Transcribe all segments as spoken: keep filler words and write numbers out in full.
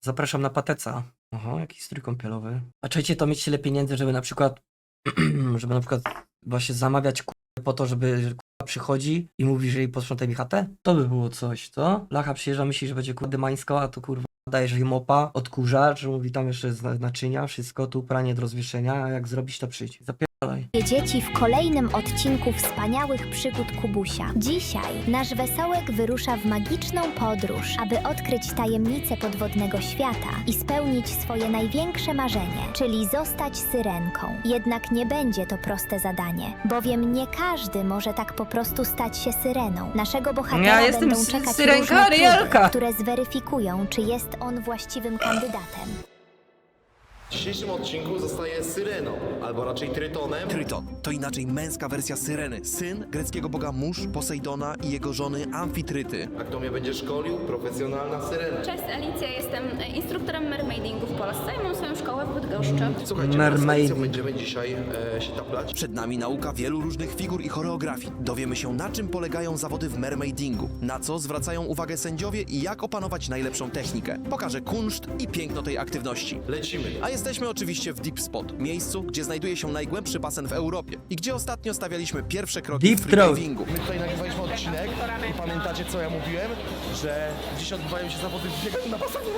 Zapraszam na Pateca. Aha, jakiś strój kąpielowy. A czujecie to mieć tyle pieniędzy, żeby na przykład, żeby na przykład właśnie zamawiać k***a po to, żeby że k***a przychodzi i mówi, że jej posprzątaj mi chatę? To by było coś, co? Lacha przyjeżdża, myśli, że będzie k***a dymańska, a to kurwa dajesz jej mopa, odkurzacz, mówi tam jeszcze z naczynia, wszystko, tu pranie do rozwieszenia, a jak zrobić to przyjdź. Zapierdalaj. Dzieci w kolejnym odcinku wspaniałych przygód Kubusia. Dzisiaj nasz wesołek wyrusza w magiczną podróż, aby odkryć tajemnice podwodnego świata i spełnić swoje największe marzenie, czyli zostać syrenką. Jednak nie będzie to proste zadanie, bowiem nie każdy może tak po prostu stać się syreną. Naszego bohatera Ja jestem będą sy- czekać syrenka różne próby, Arielka. które zweryfikują, czy jest on właściwym kandydatem. W dzisiejszym odcinku zostaje Syreną, albo raczej Trytonem. Tryton to inaczej męska wersja Syreny, syn greckiego boga mórz Posejdona i jego żony Amfitryty. A kto mnie będzie szkolił? Profesjonalna Syrena. Cześć, Alicja, jestem instruktorem mermaidingu w Polsce i mam swoją szkołę w Bydgoszczy. Słuchajcie, Mermaid. z Alicją będziemy dzisiaj e, się taplać. Przed nami nauka wielu różnych figur i choreografii. Dowiemy się, na czym polegają zawody w mermaidingu, na co zwracają uwagę sędziowie i jak opanować najlepszą technikę. Pokażę kunszt i piękno tej aktywności. Lecimy. A jesteśmy oczywiście w Deep Spot, miejscu, gdzie znajduje się najgłębszy basen w Europie i gdzie ostatnio stawialiśmy pierwsze kroki Deep w Throat. freedivingu. My tutaj nagrywaliśmy odcinek i pamiętacie, co ja mówiłem? Że dziś odbywają się zawody w bieganiu na basenie.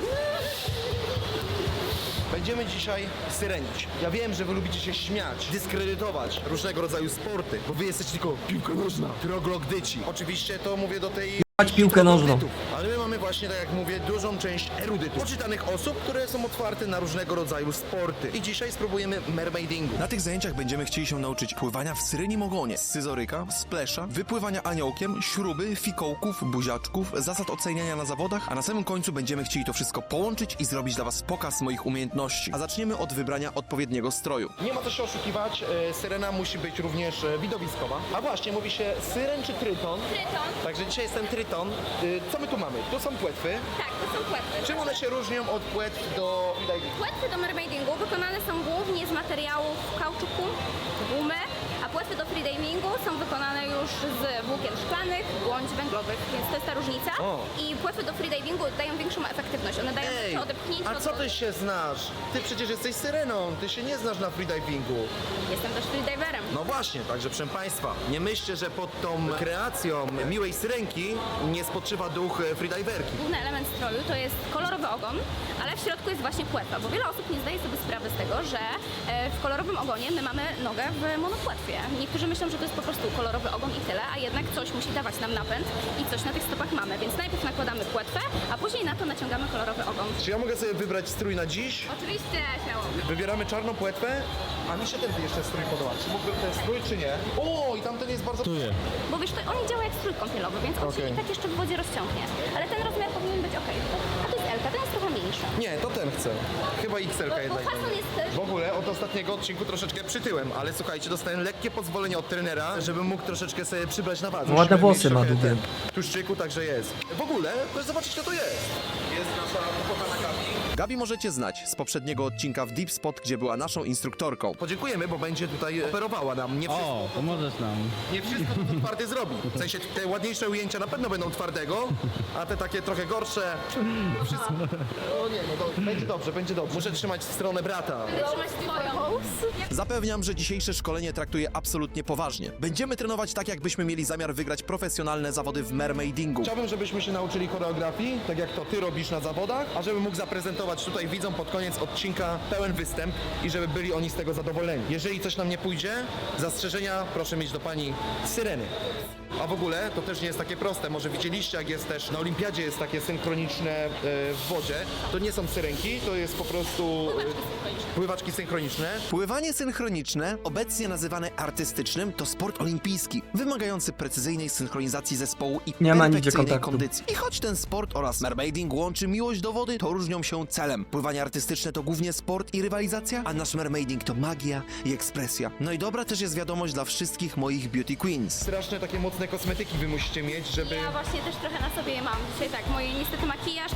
Będziemy dzisiaj syrenić. Ja wiem, że wy lubicie się śmiać, dyskredytować różnego rodzaju sporty, bo wy jesteście tylko piłka nożna, troglogdyci. Oczywiście to mówię do tej... Chodź piłkę nożną. troglodytów. Ale my mamy właśnie, tak jak mówię, dużą część erudytów, poczytanych osób, które są otwarte na różnego rodzaju sporty. I dzisiaj spróbujemy mermaidingu. Na tych zajęciach będziemy chcieli się nauczyć pływania w syrenim ogonie, scyzoryka, splesza, wypływania aniołkiem, śruby, fikołków, buziaczków, zasad oceniania na zawodach, a na samym końcu będziemy chcieli to wszystko połączyć i zrobić dla was pokaz moich umiejętności. A zaczniemy od wybrania odpowiedniego stroju. Nie ma co się oszukiwać, e, syrena musi być również e, widowiskowa. A właśnie, mówi się syren czy tryton? Tryton. Także dzisiaj jestem tryton. Y, co my tu mamy? Tu są płetwy. Tak, to są płetwy. Czym one się różnią od płetw do freedivingu? Płetwy do mermaidingu wykonane są głównie z materiałów kauczuku, gumy, a płetwy do freedivingu są wykonane już z włókien szklanych, błądź węglowych, więc to jest ta różnica. O. I płetwy do freedivingu dają większą efektywność, one dają Ej, większe odepchnięcie. a od co wody. ty się znasz? Ty przecież jesteś syreną, ty się nie znasz na freedivingu. Jestem też freediverem. No właśnie, także proszę Państwa, nie myślcie, że pod tą kreacją miłej syrenki nie spoczywa duch e, freediverki. Główny element stroju to jest kolorowy ogon, ale w środku jest właśnie płetwa, bo wiele osób nie zdaje sobie sprawy z tego, że e, w kolorowym ogonie my mamy nogę w monopłetwie. Niektórzy myślą, że to jest po prostu kolorowy ogon i tyle, a jednak coś musi dawać nam napęd i coś na tych stopach mamy, więc najpierw nakładamy płetwę, a później na to naciągamy kolorowy ogon. Czy ja mogę sobie wybrać strój na dziś? Oczywiście, śmiało. Wybieramy czarną płetwę, a mi się ten jeszcze strój podoba. Czy mógłbym ten strój, czy nie? O, i tamten jest bardzo... Bo wiesz, to on nie działa jak strój kąpielowy, więc on się Okej. i tak jeszcze w wodzie rozciągnie. Ale ten rozmiar powinien być ok. A to jest L K, ten jest trochę mniejszy. Nie, to ten chcę. Chyba X L Bo, bo jednak. fason jest też... W ogóle od ostatniego odcinku troszeczkę przytyłem, ale słuchajcie, dostałem lekkie pozwolenie od trenera, żebym mógł troszeczkę sobie przybrać na wadze. Ładne Musimy włosy mieć ma trochę długie. ten Tłuszczyku, także jest. W ogóle, proszę zobaczyć, kto to jest. Jest nasza pokochana Gabi. Gabi możecie znać z poprzedniego odcinka w Deep Spot, gdzie była naszą instruktorką. Podziękujemy, bo będzie tutaj operowała nam. Nie wszystko, O, pomożesz nam. nie wszystko to twardy zrobi. W sensie te ładniejsze ujęcia na pewno będą twardego, a te takie trochę gorsze. Wszystko. O nie, no to będzie dobrze, będzie dobrze. Muszę trzymać w stronę brata. Trzymać twoją. Zapewniam, że dzisiejsze szkolenie traktuję absolutnie poważnie. Będziemy trenować tak, jakbyśmy mieli zamiar wygrać profesjonalne zawody w mermaidingu. Chciałbym, żebyśmy się nauczyli choreografii, tak jak to ty robisz na zawodach, a żebym mógł zaprezentować tutaj widzom pod koniec odcinka pełen występ i żeby byli oni z tego zadowoleni. Jeżeli coś nam nie pójdzie, zastrzeżenia proszę mieć do pani Syreny. A w ogóle to też nie jest takie proste. Może widzieliście, jak jest też na olimpiadzie jest takie synchroniczne e, w wodzie. To nie są syrenki, to jest po prostu e, pływaczki synchroniczne. Pływanie synchroniczne, obecnie nazywane artystycznym, to sport olimpijski, wymagający precyzyjnej synchronizacji zespołu i Nie ma nigdzie perfekcyjnej kontaktu. kondycji. I choć ten sport oraz mermaiding łączy miłość do wody, to różnią się celem. Pływanie artystyczne to głównie sport i rywalizacja, a nasz mermaiding to magia i ekspresja. No i dobra też jest wiadomość dla wszystkich moich beauty queens. Straszne takie mocne kosmetyki wy musicie mieć, żeby... Ja właśnie też trochę na sobie je mam. Dzisiaj tak, moje niestety makijaż to jest makijaż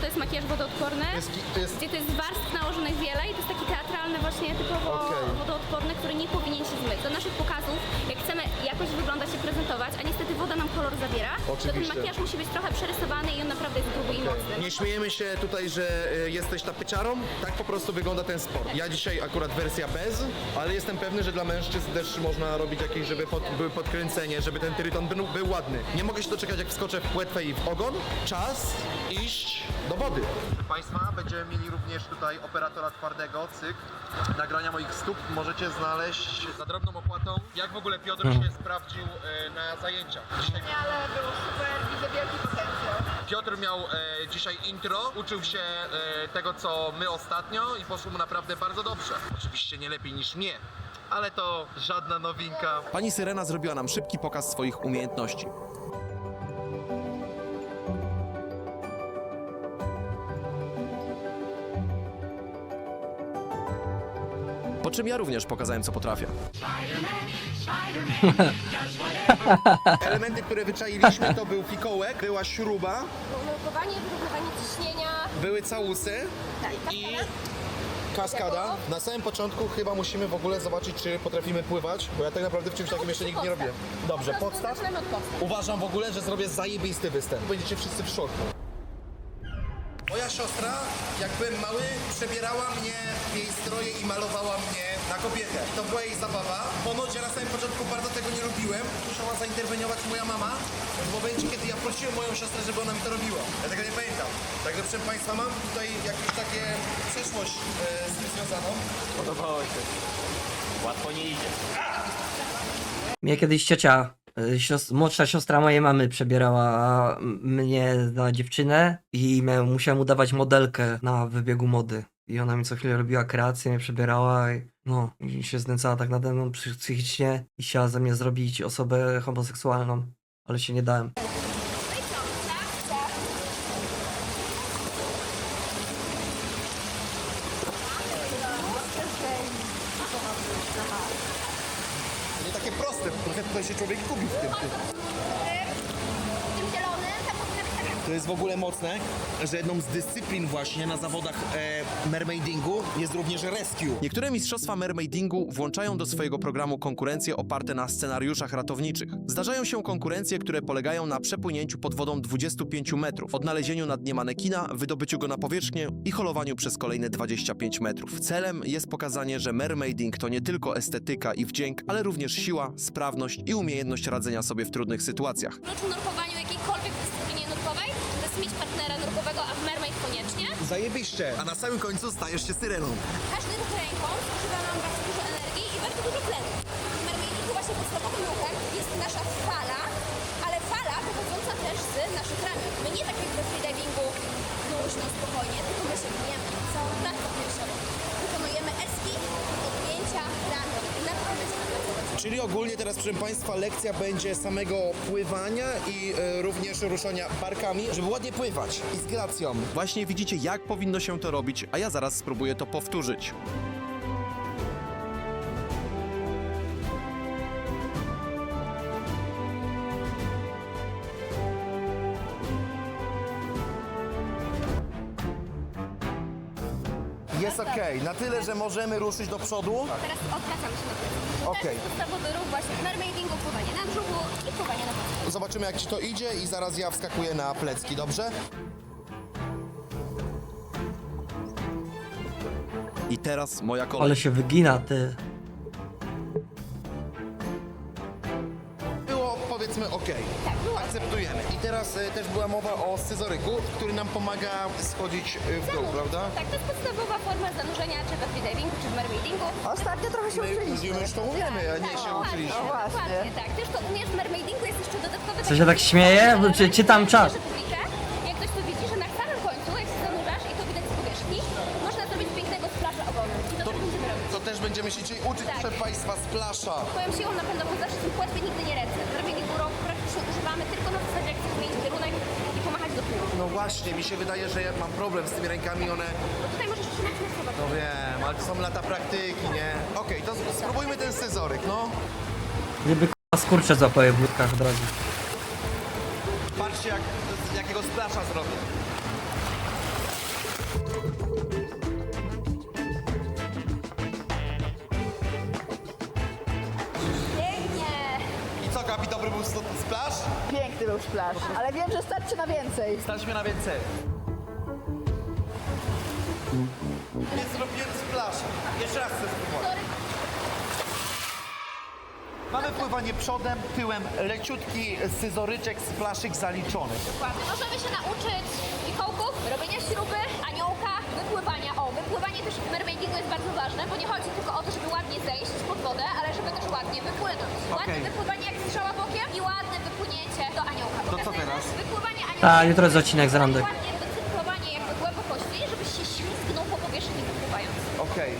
też wodoodporny, To jest, to jest gdzie to jest warstw nałożonych wiele i to jest taki teatralny właśnie typowo Okej. wodoodporny, który nie powinien się zmyć. Do naszych pokazów, jak chcemy jakoś wyglądać i prezentować, a niestety woda nam kolor zabiera, to ten Oczywiście. makijaż musi być trochę przerysowany i on naprawdę jest gruby i mocny. Nie śmiejemy się tutaj, że y, jesteś tapyczarą, tak po prostu wygląda ten sport. Ja dzisiaj akurat wersja bez, ale jestem pewny, że dla mężczyzn też można robić jakieś, żeby pod, były podkręcenie, żeby ten tryton był, był ładny. Nie mogę się doczekać, jak wskoczę w płetwę i w ogon. Czas iść do wody. Proszę Państwa, będziemy mieli również tutaj operatora twardego, cyk. Nagrania moich stóp możecie znaleźć za drobną opłatą. Jak w ogóle Piotr się sprawdził e, na zajęciach? Dzisiaj... Ale było super, widzę wielki potencjał. Piotr miał e, dzisiaj intro, uczył się e, tego, co my ostatnio i poszło mu naprawdę bardzo dobrze. Oczywiście nie lepiej niż mnie, ale to żadna nowinka. Pani Syrena zrobiła nam szybki pokaz swoich umiejętności. Po czym ja również pokazałem, co potrafię. Elementy, które wyczailiśmy, to był fikołek, była śruba, Nurkowanie, wyrównywanie ciśnienia. były całusy Tak, i kaskada. Na samym początku chyba musimy w ogóle zobaczyć, czy potrafimy pływać, bo ja tak naprawdę w czymś takim jeszcze nigdy nie robiłem. Dobrze, podstaw. Zaczynamy od podstaw. Uważam w ogóle, że zrobię zajebisty występ. Będziecie wszyscy w szoku. Moja siostra, jak byłem mały, przebierała mnie w jej stroje i malowała mnie na kobietę. I to była jej zabawa. Ponoć ja na samym początku bardzo tego nie lubiłem. Musiała zainterweniować moja mama w momencie, kiedy ja prosiłem moją siostrę, żeby ona mi to robiła. Ja tego nie pamiętam. Także proszę Państwa, mam tutaj jakąś takie przeszłość e, z tym związaną. Podobało się. Łatwo nie idzie. Mnie kiedyś ciocia, y, sios- młodsza siostra mojej mamy przebierała m- mnie za dziewczynę i miałem, musiałem udawać modelkę na wybiegu mody. I ona mi co chwilę robiła kreację, mnie przebierała i no, i się znęcała tak nade mną psy- psychicznie i chciała ze mnie zrobić osobę homoseksualną, ale się nie dałem. Nie takie proste, trochę tutaj się człowiek gubi w tym. tym. Tym zielonym, tam powinna być taka... To jest w ogóle mocne, że jedną z dyscyplin właśnie na zawodach e, mermaidingu jest również rescue. Niektóre mistrzostwa mermaidingu włączają do swojego programu konkurencje oparte na scenariuszach ratowniczych. Zdarzają się konkurencje, które polegają na przepłynięciu pod wodą dwudziestu pięciu metrów, odnalezieniu na dnie manekina, wydobyciu go na powierzchnię i holowaniu przez kolejne dwadzieścia pięć metrów. Celem jest pokazanie, że mermaiding to nie tylko estetyka i wdzięk, ale również siła, sprawność i umiejętność radzenia sobie w trudnych sytuacjach. Oprócz nurkowaniu jakiejkolwiek dyscyplinie nurkowej, to jest mieć partnera nurkowego, a w mermaid koniecznie. Zajebiście. A na samym końcu stajesz się syreną. Każdy ruch ręką zużywa nam bardzo dużo energii i bardzo dużo tlenu. W mermaidingu właśnie podstawowym ruchem jest nasza fala, ale fala pochodząca też z naszych ramion. My nie tak jak we freedivingu luźno, spokojnie, tylko my się gniemy całą pracę piersiową. Wykonujemy eski, odpięcia ramion i naprawdę się napracować. Czyli ogólnie teraz, proszę Państwa, lekcja będzie samego pływania i e, również ruszania barkami, żeby ładnie pływać i z gracją. Właśnie widzicie, jak powinno się to robić, a ja zaraz spróbuję to powtórzyć. Jest okej, na tyle, że możemy ruszyć do przodu. Teraz odwracamy się na plecy. Okej. To jest podstawowy ruch właśnie w mermaidingu, pływanie na brzuchu i pływanie na plecy. Zobaczymy, jak Ci to idzie i zaraz ja wskakuję na plecki, dobrze? I teraz moja kolej. Ale się wygina, ty. Było, powiedzmy, okej. Tak, było. Akceptujemy. I teraz e, też była mowa o scyzoryku, który nam pomaga schodzić e, w dół, prawda? Tak, to jest podstawowa forma zanurzenia, czy we freedivingu, czy w mermaidingu. Ostatnio trochę się My, uczyliśmy. my już to umiemy, a nie się dokładnie, uczyliśmy. Dokładnie, tak. Też to umiesz w mermaidingu, jest jeszcze dodatkowy... Co się tak śmieje? Czy czytam czat? Jak ktoś to widzi, że na samym końcu, jak się zanurzasz i to widać z powierzchni, można zrobić pięknego splasza ogonem. I to, też będziemy robić. To też będziemy się dzisiaj uczyć, Tak. proszę Państwa, z plasza. Swoją siłą napędową zawsze są płetwy, nigdy nie ręce. W mermaidingu rąk praktycznie używamy tylko na zasadzie, jak chcesz zmienić kierunek i pomachać do tyłu. No właśnie, mi się wydaje, że ja mam problem z tymi rękami, one... Bo tutaj możesz trzymać na słowa. No wiem, ale to są lata praktyki, nie? Okej, to spróbujmy ten scyzoryk, no. Gdyby k***a skurcze złapały w budkach od razu. Patrzcie, jak, jakiego splasza zrobię. tylu splash, ale wiem, że starczy na więcej. Stać mnie na więcej. Nie zrobiłem splasza. Jeszcze raz chcę spróbować. Mamy pływanie przodem, tyłem, leciutki scyzoryczek, splaszyk zaliczony. Dokładnie. Możemy się nauczyć fikołków, robienia śruby, aniołka, wypływania. O, wypływanie też w mermaidingu jest bardzo ważne, bo nie chodzi tylko o to, żeby ładnie zejść pod wodę, ale żeby też ładnie wypłynąć. Ładne Okej. wypływanie jak strzała bokiem i ładne wypłynięcie do aniołka. To co Pokazujemy teraz? Wypływanie aniołka. A, jutro jest odcinek z randek. Ładnie wycyrklowanie jakby głębokości, żebyś się ślizgnął po powierzchni wypływając. Okej.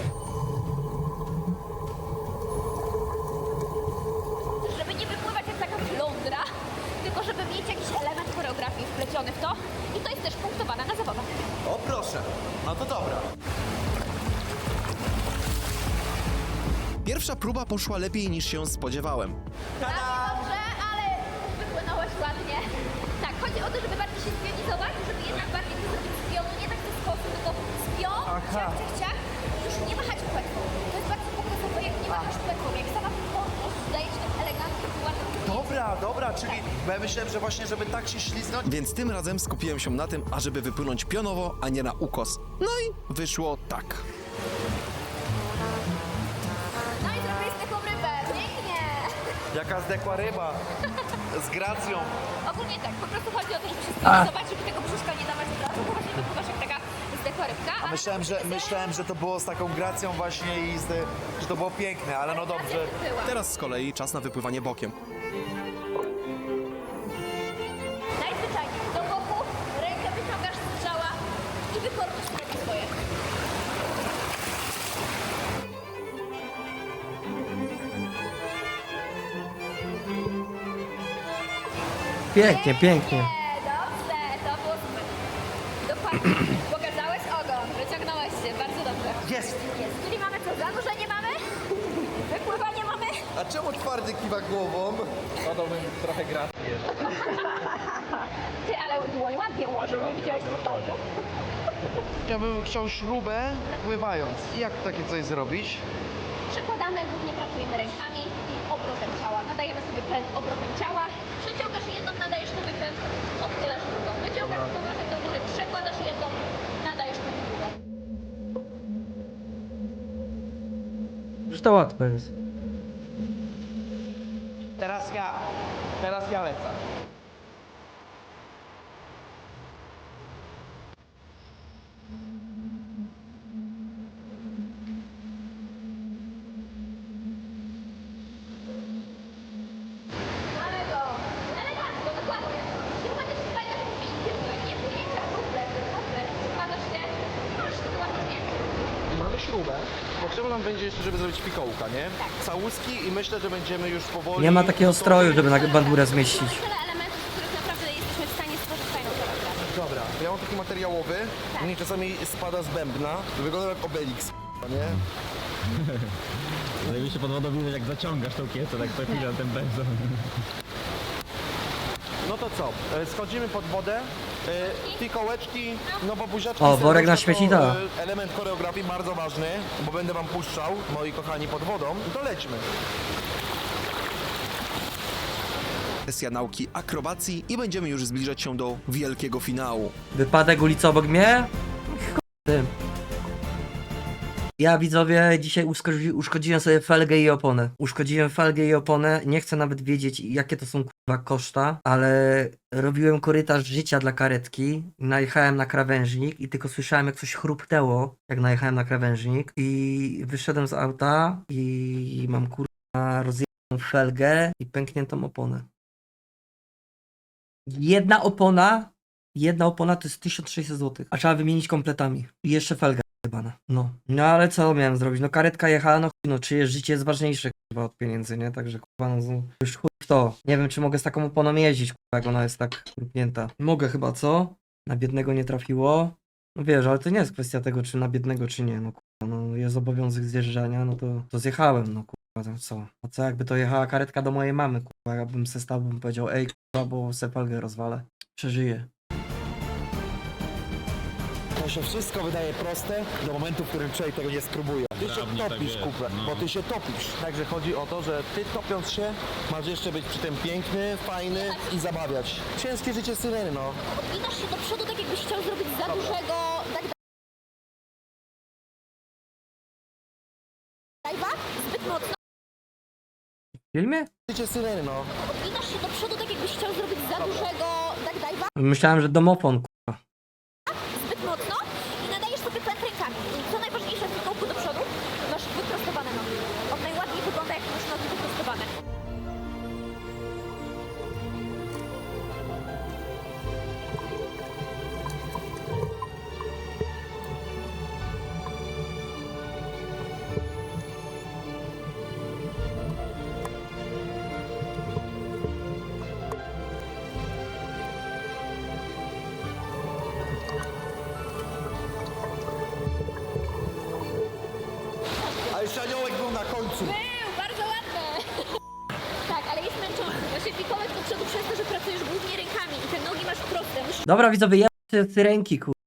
Żeby nie wypływać jak taka flądra, tylko żeby mieć jakiś element choreografii wpleciony w to i to jest też punktowane na zawodach. O proszę. No to dobra. Pierwsza próba poszła lepiej niż się spodziewałem. Bardzo dobrze, ale wypłynąłeś ładnie. Tak, chodzi o to, żeby bardziej się spionizować, żeby jednak bardziej to zrobić z pionu, nie tak ze skosu, tylko z pion, ciach, ciach, ciach, i już nie machać płetwą. To jest bardzo pokazowe, jak nie machasz płetwą, jak sama podnosz, daje ci to elegancko i ładnie. Dobra, dobra, czyli bo ja myślałem, że właśnie, żeby tak się ślizgnąć. Więc tym razem skupiłem się na tym, ażeby wypłynąć pionowo, a nie na ukos. No i wyszło tak. No i zrobiłeś taką rybę, pięknie. Jaka zdekła ryba. Z gracją. Ogólnie tak, po prostu chodzi o to, żeby się spionizować, żeby tego brzuszka nie dawać od razu, bo właśnie wypływasz jak taka zdechła rybka. A myślałem, że myślałem, że to było z taką gracją właśnie i z, że to było piękne, ale no dobrze. Teraz z kolei czas na wypływanie bokiem. Najzwyczajniej do boku, rękę wyciągasz z strzała i wykornisz sobie swoje. Pięknie, pięknie. Nie, dobrze, to było super. Dokładnie. Pokazałeś ogon, wyciągnąłeś się, bardzo dobrze. Jest! Jest, czyli mamy co? Zanurzenie mamy? Wypływanie mamy? A czemu twardy kiwa głową? Ty, ale dłoń ładnie ułożył, nie widziałeś to. Ja bym chciał śrubę pływając. Jak takie coś zrobić? Przekładamy, głównie pracujemy rękami i obrotem ciała. Nadajemy sobie pęd obrotem ciała. Przeciągasz jedną, nadajesz sobie pęd, odchylasz drugą. Wyciągasz z powrotem do góry, przekładasz jedną, nadajesz pęd drugą. Już to łatwe jest. Teraz ja. Teraz ja lecę. Mamy go! Elegancko, dokładnie. Nie możesz spać w pięknie, nie płynięcia, ruble, ruble, składasz się, możesz to ładnie mieć. Mamy śrubę. Potrzebne nam będzie jeszcze, żeby zrobić fikołka, nie? Całuski i myślę, że będziemy już powoli... Nie ma takiego stroju, żeby na bandurę zmieścić. Mamy tyle elementów, z których naprawdę jesteśmy w stanie stworzyć fajną choreografię. Dobra, ja mam taki materiałowy, mnie czasami spada z bębna, wygląda jak Obelix, nie? Ale mi się pod wodą widać, jak zaciągasz tą kiecę, tak co chwilę ten benzon. No to co, e, schodzimy pod wodę, e, fikołeczki, no bo buziaczki... O, worek na serduszka śmieci, to, da. e, element choreografii bardzo ważny, bo będę wam puszczał, moi kochani, pod wodą, to lećmy. Sesja nauki akrobacji i będziemy już zbliżać się do wielkiego finału. Wypadek ulicy obok mnie? Chuj tym. Ja widzowie dzisiaj uszkodzi, uszkodziłem sobie felgę i oponę. Uszkodziłem felgę i oponę. Nie chcę nawet wiedzieć jakie to są kurwa koszta, ale robiłem korytarz życia dla karetki. Najechałem na krawężnik i tylko słyszałem jak coś chrupnęło, jak najechałem na krawężnik i wyszedłem z auta i mam kurwa rozjechaną felgę i pękniętą oponę. Jedna opona, jedna opona to jest tysiąc sześćset złotych, a trzeba wymienić kompletami. I jeszcze felga jebana. No. No ale co miałem zrobić? No karetka jechała, no chuj, no czyjeś życie jest ważniejsze kurwa od pieniędzy, nie? Także kurwa, no z- już chuj w to. Nie wiem czy mogę z taką oponą jeździć, kurwa, jak ona jest tak krupnięta. Mogę chyba, co? Na biednego nie trafiło. No wiesz, ale to nie jest kwestia tego, czy na biednego, czy nie. No kurwa, no jest obowiązek zjeżdżania, no to, to zjechałem, no kurwa, to co? A co jakby to jechała karetka do mojej mamy, kurwa, jakbym se stał, bym powiedział, ej kurwa, bo se felgę rozwalę. Przeżyję. To się wszystko wydaje proste do momentu, w którym człowiek tego nie spróbuje. Ty się Dawniej tak topisz, jest, kupę, no. bo ty się topisz. Także chodzi o to, że ty topiąc się, masz jeszcze być przy tym piękny, fajny i zabawiać. Ciężkie życie syreny, no. Odginasz się do przodu, tak jakbyś chciał zrobić za dużego tak dive'a, zbyt mocno. W filmie? Życie syreny, no. Odginasz się do przodu, tak jakbyś chciał zrobić za dużego tak dive'a, Myślałem, że domofon, kurwa. zbyt mocno i nadajesz sobie pęd rękami. I co najważniejsze w fikołku do przodu, masz wyprostowane nogi. On najładniej wygląda, jak masz nogi wyprostowane. A jeszcze aniołek był na końcu. Był, bardzo ładne. Tak, ale jest męczący. Właśnie fikołek do przodu przez to, że pracujesz głównie rękami i te nogi masz proste. Musisz Dobra, widzowie, ja te syrenki, kurwa.